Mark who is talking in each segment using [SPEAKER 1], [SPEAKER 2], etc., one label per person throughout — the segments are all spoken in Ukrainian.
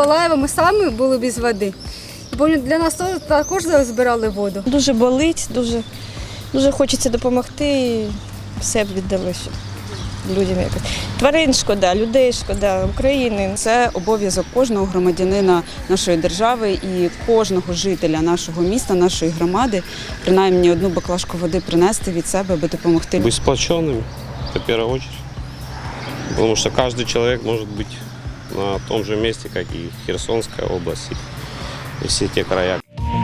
[SPEAKER 1] Миколаєва ми самі були без води. Бо для нас також збирали воду.
[SPEAKER 2] Дуже болить, дуже хочеться допомогти і все б віддали людям якось. Тварин шкода, людей шкода, України.
[SPEAKER 3] Це обов'язок кожного громадянина нашої держави і кожного жителя нашого міста, нашої громади, принаймні одну баклажку води принести від себе, аби допомогти.
[SPEAKER 4] Быть сплоченными, это в первую очередь. Потому что каждый человек может быть на том же месте, как и Херсонская область, и все те края.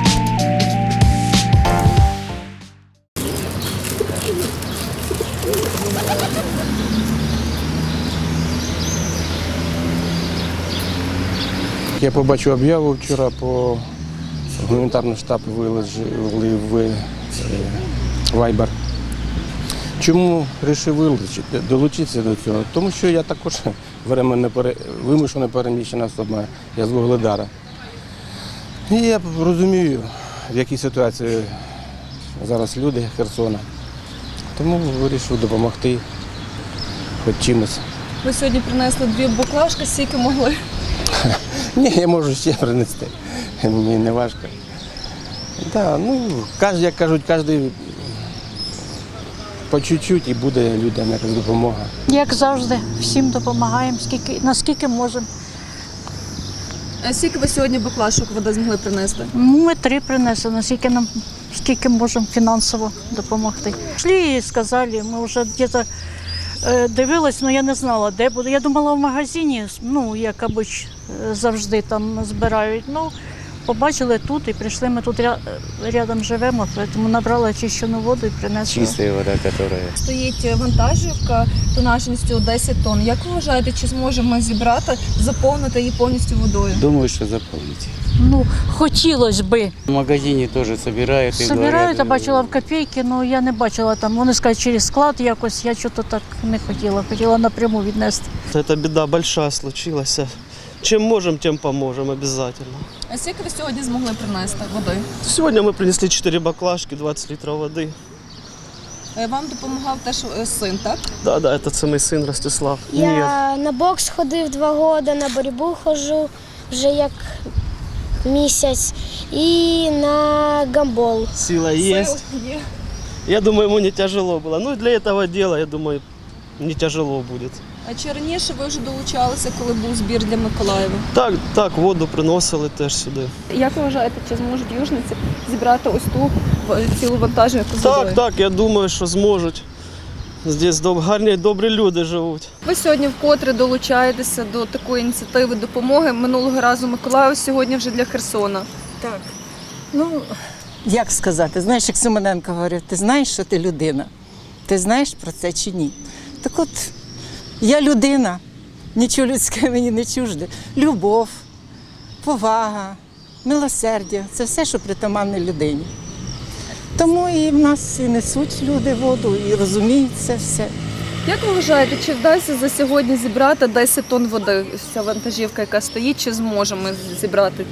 [SPEAKER 5] Я побачив об'яву вчора по гуманітарний штаб виложили в Viber. Чому вирішив долучитися до цього? Тому що я також вимушено переміщена особа, я з Вугледара. І я розумію, в якій ситуації зараз люди Херсона. Тому вирішив допомогти хоч чимось.
[SPEAKER 2] Ви сьогодні принесли 2 баклажки, скільки могли?
[SPEAKER 5] Ні, я можу ще принести, мені не важко. Да, як кажуть, кожен по чуть-чуть і буде людям якась допомога.
[SPEAKER 6] Як завжди, всім допомагаємо, наскільки можемо.
[SPEAKER 2] А скільки ви сьогодні баклажок води змогли принести?
[SPEAKER 6] Ми 3 принесли, скільки можемо фінансово допомогти. Пішли і сказали, ми вже десь дивились, але я не знала, де буде. Я думала в магазині, як обично, завжди там збирають. Побачили тут і прийшли, ми тут рядом живемо, тому набрали очищену воду і принесли.
[SPEAKER 7] Чистая вода, которая...
[SPEAKER 2] Стоїть вантажівка тонажністю 10 тонн. Як ви вважаєте, чи зможемо ми зібрати, заповнити її повністю водою?
[SPEAKER 7] Думаю, что заполните.
[SPEAKER 6] Хотілося б.
[SPEAKER 7] В магазине тоже собирают.
[SPEAKER 6] Собирають, я бачила в копійки, але я не бачила там. Вони скажуть, через склад якось, я щось так не хотіла. Хотіла напряму віднести.
[SPEAKER 8] Эта беда большая случилась. Чем можем, тем поможем обязательно.
[SPEAKER 2] А скільки ви сьогодні змогли принести води?
[SPEAKER 8] Сегодня мы принесли 4 баклажки, 20 литров воды.
[SPEAKER 2] Вам допомагав теж син, так?
[SPEAKER 8] Да, это це мій син Ростислав.
[SPEAKER 9] Я на бокс ходив 2 роки, на боротьбу ходжу вже як місяць і на гандбол.
[SPEAKER 8] Сила есть. Я думаю, ему не тяжело было. Для этого дела, я думаю, не тяжело будет.
[SPEAKER 2] А чи раніше ви вже долучалися, коли був збір для Миколаєва?
[SPEAKER 8] Так, воду приносили теж сюди.
[SPEAKER 2] Як ви вважаєте, чи зможуть южниці зібрати ось ту цілу вантажівку з водою?
[SPEAKER 8] Так, я думаю, що зможуть. Здесь гарні, добрі люди живуть.
[SPEAKER 2] Ви сьогодні вкотре долучаєтеся до такої ініціативи допомоги. Минулого разу Миколаїв, сьогодні вже для Херсона.
[SPEAKER 10] Так. Як сказати, знаєш, як Симоненко говорив, ти знаєш, що ти людина? Ти знаєш про це чи ні? Так от, я людина, нічого людське мені не чужде. Любов, повага, милосердя – це все, що притаманне людині. Тому і в нас і несуть люди воду, і розуміють це все.
[SPEAKER 2] Як ви вважаєте, чи вдасться за сьогодні зібрати 10 тонн води? Ця вантажівка, яка стоїть, чи зможемо зібрати?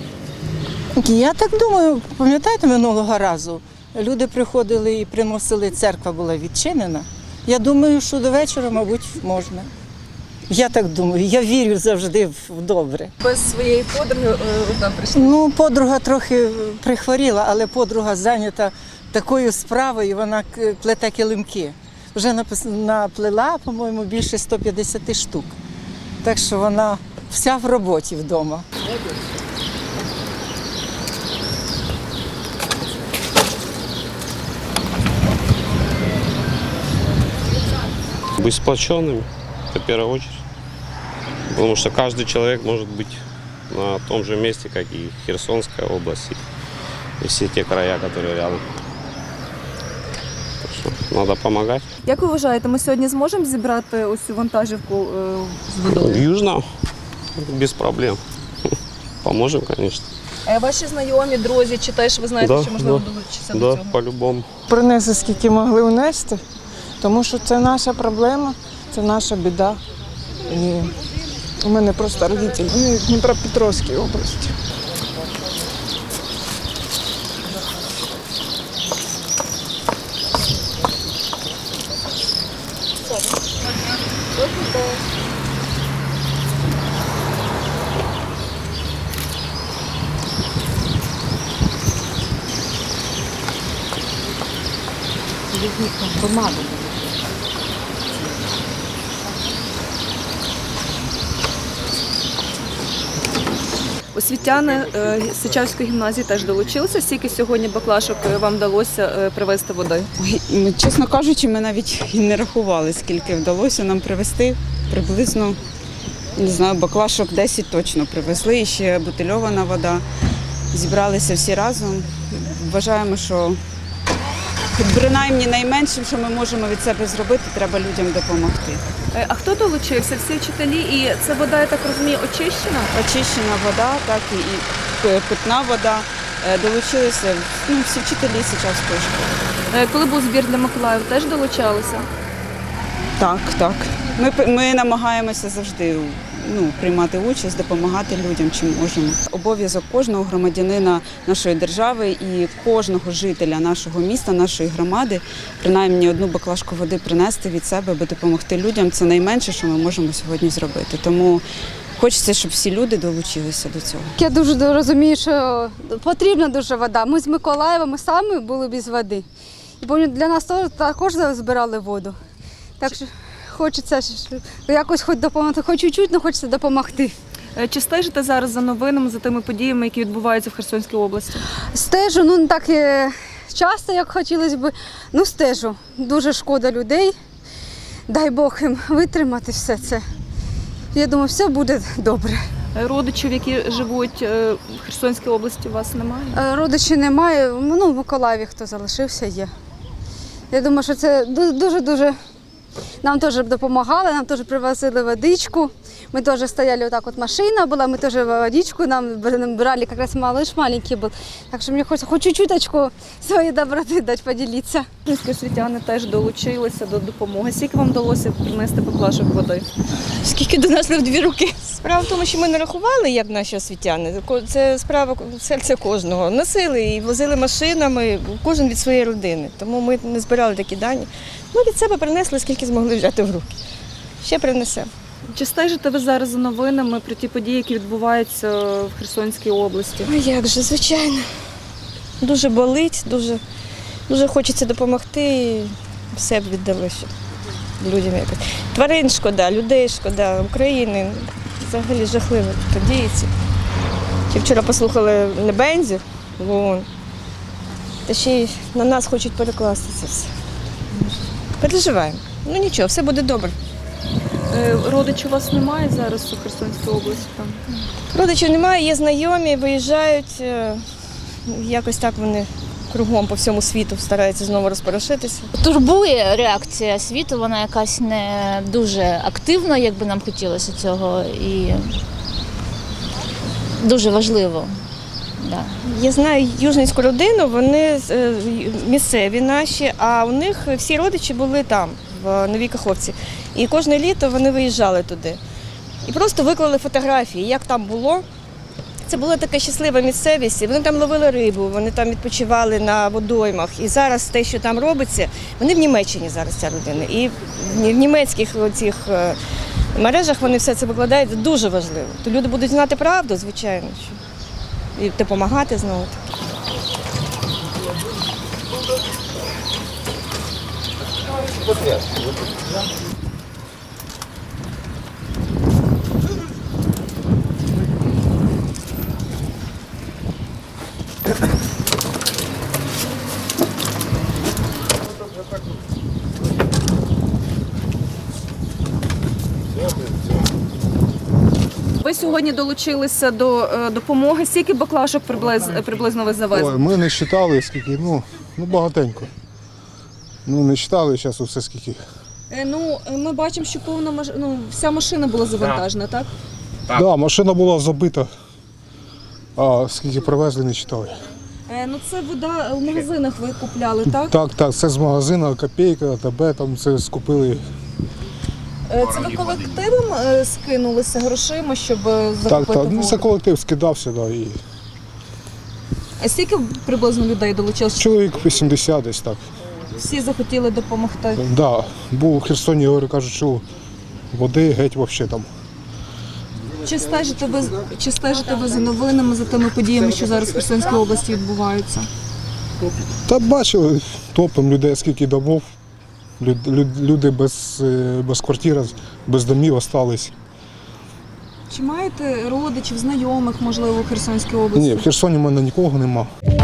[SPEAKER 10] Я так думаю, пам'ятаєте, минулого разу люди приходили і приносили, церква була відчинена. Я думаю, що до вечора, мабуть, можна. Я так думаю, я вірю завжди в добре.
[SPEAKER 2] Без своєї подруги одна прийшла?
[SPEAKER 10] Подруга трохи прихворіла, але подруга зайнята такою справою, вона плете килимки. Вже наплела, по-моєму, більше 150 штук. Так що вона вся в роботі вдома.
[SPEAKER 4] Быть сплоченными, это в первую очередь. Потому что каждый человек может быть на том же месте, как и Херсонская область, и все те края, которые рядом. Так что надо помогать.
[SPEAKER 2] Як ви вважаєте, ми сьогодні зможемо зібрати ось цю вантажівку з водою?
[SPEAKER 4] Южно, без проблем. Поможем, конечно.
[SPEAKER 2] А ваші знайомі, друзі, чи теж ви знаєте, що можливо долучитися до цього?
[SPEAKER 4] Да, по-любому.
[SPEAKER 11] Принесли, скільки могли унести, тому що це наша проблема, це наша біда. І у мене просто родителі, вони в Дніпропетровській області.
[SPEAKER 12] їхню громаду.
[SPEAKER 13] Освітяни Сичавської гімназії теж долучилися. Скільки сьогодні баклашок вам вдалося привезти води?
[SPEAKER 3] Ой, чесно кажучи, ми навіть і не рахували, скільки вдалося нам привезти. Приблизно, не знаю, баклашок 10 точно привезли, і ще бутильована вода. Зібралися всі разом. Вважаємо, що принаймні найменшим, що ми можемо від себе зробити, треба людям допомогти.
[SPEAKER 13] А хто долучився? Всі вчителі? І це вода, я так розумію, очищена?
[SPEAKER 3] Очищена вода, так і питна вода. Долучилися всі вчителі Сичавської школи.
[SPEAKER 13] Коли був збір для Миколаїв, теж долучалися?
[SPEAKER 3] Так, так. Ми намагаємося завжди приймати участь, допомагати людям, чим можемо. Обов'язок кожного громадянина нашої держави і кожного жителя нашого міста, нашої громади, принаймні одну баклажку води принести від себе, аби допомогти людям. Це найменше, що ми можемо сьогодні зробити. Тому хочеться, щоб всі люди долучилися до цього.
[SPEAKER 1] Я дуже розумію, що потрібна дуже вода. Ми з Миколаєва, ми самі були без води. І для нас також збирали воду. Так що хочеться якось хоч допомогти, хоч чуть-чуть, але хочеться допомогти.
[SPEAKER 13] Чи стежите зараз за новинами, за тими подіями, які відбуваються в Херсонській області?
[SPEAKER 1] Стежу, не так часто, як хотілося б, стежу. Дуже шкода людей. Дай Бог їм витримати все це. Я думаю, все буде добре.
[SPEAKER 13] Родичів, які живуть в Херсонській області, у вас немає?
[SPEAKER 1] Родичів немає, в Миколаєві хто залишився, є. Я думаю, що це дуже-дуже... Нам теж допомагали, нам теж привозили водичку. Ми теж стояли, отак от машина була, ми теж водичку нам брали, якраз малыш маленький був. Так що мені хочеться хоч чуть-чуточку своєї доброти дати, поділитися.
[SPEAKER 13] Освітяни теж долучилися до допомоги. Скільки вам вдалося принести баклашок води?
[SPEAKER 2] Скільки донесли в 2 руки. Справа в тому, що ми не рахували, як наші освітяни. Це справа серця кожного. Носили і возили машинами, кожен від своєї родини. Тому ми не збирали такі дані. Ми від себе принесли, скільки змогли взяти в руки. Ще принесемо.
[SPEAKER 13] Чи стежите ви зараз за новинами про ті події, які відбуваються в Херсонській області?
[SPEAKER 2] А як же, звичайно. Дуже болить, дуже хочеться допомогти і все б віддали, щоб людям якось. Тварин шкода, людей шкода, України. Взагалі жахливо подіється. Чи вчора послухали Небензів в ООН, та ще й на нас хочуть перекласти це все. Переживаємо. Нічого, все буде добре.
[SPEAKER 13] Родичів у вас немає зараз у Херсонській області?
[SPEAKER 2] Родичів немає, є знайомі, виїжджають. Якось так вони кругом по всьому світу стараються знову розпорошитися.
[SPEAKER 12] Турбує реакція світу, вона якась не дуже активна, як би нам хотілося цього, і дуже важливо. Да.
[SPEAKER 2] Я знаю южницьку родину, вони місцеві наші, а у них всі родичі були там, в Новій Каховці. І кожне літо вони виїжджали туди. І просто виклали фотографії, як там було. Це була така щаслива місцевість, вони там ловили рибу, вони там відпочивали на водоймах. І зараз те, що там робиться, вони в Німеччині зараз, ця родина. І в німецьких цих мережах вони все це викладають, це дуже важливо. То люди будуть знати правду, звичайно, і допомагати знову.
[SPEAKER 13] Ви сьогодні долучилися до допомоги. Скільки баклашок приблизно ви завезли?
[SPEAKER 14] Ой, ми не вважали, скільки, багатенько. Не вважали зараз усе скільки.
[SPEAKER 13] Ми бачимо, що вся машина була завантажена, так?
[SPEAKER 14] Так, да, машина була забита, а скільки привезли, не вважали.
[SPEAKER 13] Це вода в магазинах ви купляли, так?
[SPEAKER 14] Так, це з магазину, Копійка, АТБ, там це скупили.
[SPEAKER 13] Це ви колективом скинулися грошима, щоб закупити воду?
[SPEAKER 14] Так, це колектив скидався, да, і...
[SPEAKER 13] А скільки приблизно людей долучилося?
[SPEAKER 14] Чоловік 80 десь так.
[SPEAKER 13] Всі захотіли допомогти?
[SPEAKER 14] Так, да, був у Херсоні, говорю, кажуть, що води геть взагалі там.
[SPEAKER 13] Чи стежите ви за новинами, за тими подіями, що зараз в Херсонській області відбуваються?
[SPEAKER 14] Та бачили, топом людей, скільки домов. Люди без квартир, без домів остались.
[SPEAKER 13] Чи маєте родичів, знайомих, можливо, у Херсонській області?
[SPEAKER 14] Ні, в Херсоні в мене нікого нема.